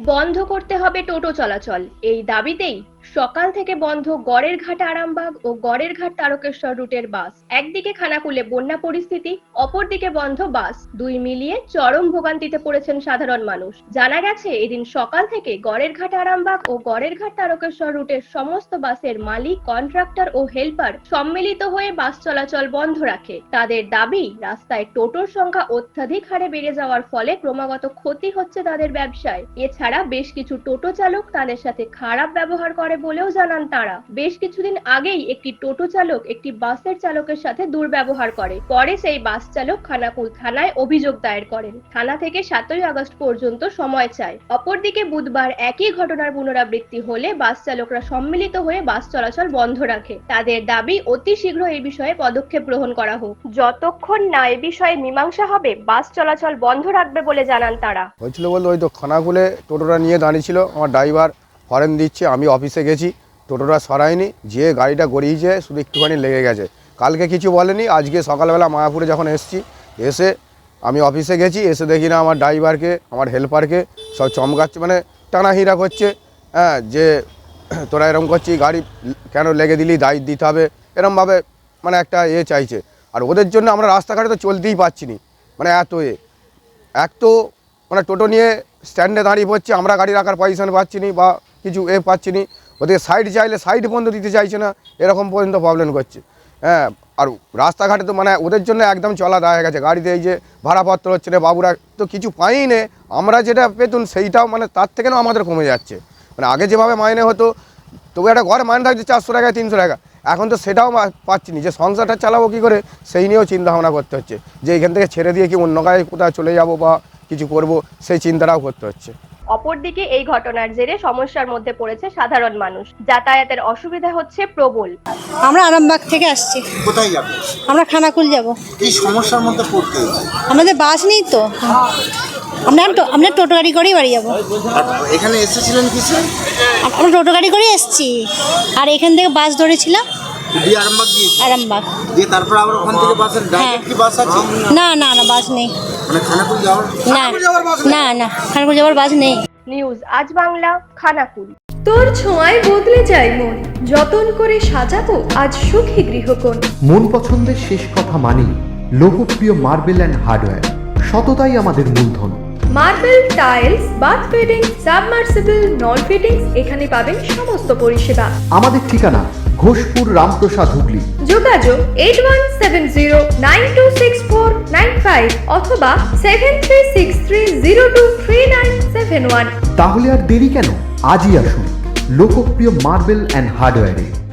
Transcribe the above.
বন্ধ করতে হবে টোটো চলাচল, এই দাবিতেই সকাল থেকে বন্ধ গড়েরঘাট আরামবাগ ও গড়েরঘাট তারকেশ্বর রুটের বাস। একদিকে খানাকুলে বন্যা পরিস্থিতি, অপরদিকে বন্ধ বাস, দুই মিলিয়ে চরম ভোগান্তিতে পড়েছেন সাধারণ মানুষ। জানা গেছে এদিন সকাল থেকে গড়েরঘাট আরামবাগ ও গড়েরঘাট তারকেশ্বর রুটের সমস্ত বাসের মালিক, কন্ট্রাক্টর ও হেল্পার সম্মিলিত হয়ে বাস চলাচল বন্ধ রাখে। তাদের দাবি, রাস্তায় টোটোর সংখ্যা অত্যাধিক হারে বেড়ে যাওয়ার ফলে ক্রমাগত ক্ষতি হচ্ছে তাদের ব্যবসায়। এছাড়া বেশ কিছু টোটো চালক তাদের সাথে খারাপ ব্যবহার করে বলেও জানান তারা। বেশ কিছুদিন আগেই একটি টোটো চালক একটি বাসের চালকের সাথে দুর্ব্যবহার করে, পরে সেই বাস চালক খানাকুল থানায় অভিযোগ দায়ের করেন। থানা থেকে 7ই আগস্ট পর্যন্ত সময় চায়। অপরদিকে বুধবার একই ঘটনার পুনরাবৃত্তি হলে বাস চালকরা সম্মিলিত হয়ে বাস চলাচল বন্ধ রাখে। তাদের দাবি অতি শীঘ্র এই বিষয়ে পদক্ষেপ গ্রহণ করা হোক। যতক্ষণ না এ বিষয়ে মীমাংসা হবে বাস চলাচল বন্ধ রাখবে বলে জানান তারা। হয়েছিল বলতে ওই তো খানাকুলে টোটোটা নিয়ে দাঁড়িয়েছিল, আমার ড্রাইভার হরেন দিচ্ছে, আমি অফিসে গেছি, টোটোটা সরাইনি, যে গাড়িটা গড়িয়েছে শুধু একটুখানি লেগে গেছে। কালকে কিছু বলেনি, আজকে সকালবেলা মায়াপুরে যখন এসে আমি অফিসে গেছি, এসে দেখি না আমার ড্রাইভারকে, আমার হেল্পারকে সব চমকাচ্ছে, মানে টানাহিরা করছে। হ্যাঁ, যে তোরা এরকম করছিস, গাড়ি কেন লেগে দিলি, দায়িত্ব দিতে হবে, এরমভাবে মানে একটা চাইছে। আর ওদের জন্য আমরা রাস্তাঘাটে তো চলতেই পারছি না, মানে এক তো মানে টোটো নিয়ে স্ট্যান্ডে দাঁড়িয়ে পড়ছে, আমরা গাড়ি রাখার পজিশন পাচ্ছি না বা কিছু পাচ্ছি না। ওদের সাইড চাইলে সাইড বন্ধ দিতে চাইছে না, এরকম পর্যন্ত প্রবলেম করছে। হ্যাঁ, আর রাস্তাঘাটে তো মানে ওদের জন্য একদম চলা দাঁড়িয়ে গেছে। গাড়িতে এই যে ভাড়াপত্র হচ্ছে না, বাবুরা তো কিছু পাই নে, আমরা যেটা পেতুন সেইটাও মানে তার থেকেও আমাদের কমে যাচ্ছে। মানে আগে যেভাবে মাইনে হতো, তবু একটা ঘরে মাইনে থাকছে 400 টাকা 300 টাকা, এখন তো সেটাও পাচ্ছি না। যে সংসারটা চালাবো কী করে সেই নিয়েও চিন্তা ভাবনা করতে হচ্ছে, যে এখান থেকে ছেড়ে দিয়ে কি অন্য গায়ে কোথাও চলে যাব বা কিছু করব, সেই চিন্তাটাও করতে হচ্ছে। অপরদিকে এই ঘটনার জেরে সমস্যার মধ্যে পড়েছে সাধারণ মানুষ, যাতায়াতের অসুবিধা হচ্ছে প্রবল। আমরা আরামবাগ থেকে আসছি। কোথায় যাবে? আমরা খানাকুল যাব। এই সমস্যার মধ্যে পড়তে হয়েছে। আমাদের বাস নেই তো, আমরা টোটো গাড়ি করেই বাড়ি যাবো। এখানে এসেছিলেন কিসে? আমরা টোটো গাড়ি করে এসেছি, আর এখান থেকে বাস ধরেছিলাম আরামবাগ গিয়েছি। আরামবাগ দিয়ে তারপর আবার ওখান থেকে বাসের ডাইরেক্ট কি বাস আছে? না না না, বাস নেই। মানে খানাকুল যাওয়ার না খানাকুল যাওয়ার বাস নেই। নিউজ আজ বাংলা, খানাকুল। তোর ছোঁয়ায় বদলে যায় মন, যতন করে সাজাবো আজ সুখী গৃহকোণ। মন পছন্দের শেষ কথা মানি লোকপ্রিয় মার্বেল অ্যান্ড হার্ডওয়্যার, সততাই আমাদের মূলধন। Marble, tiles, bath fitting, submersible, নল ফিটিংস, এখানে পাবেন সমস্ত পরিষেবা। আমাদের ঠিকানা ঘোষপুর, রামপ্রসাদ, হুগলি। যোগাযোগ 8170926495 অথবা 7363023971। তাহলে আর দেরি কেন, আজই আসুন লোকপ্রিয় মার্বেল অ্যান্ড হার্ডওয়্যারে।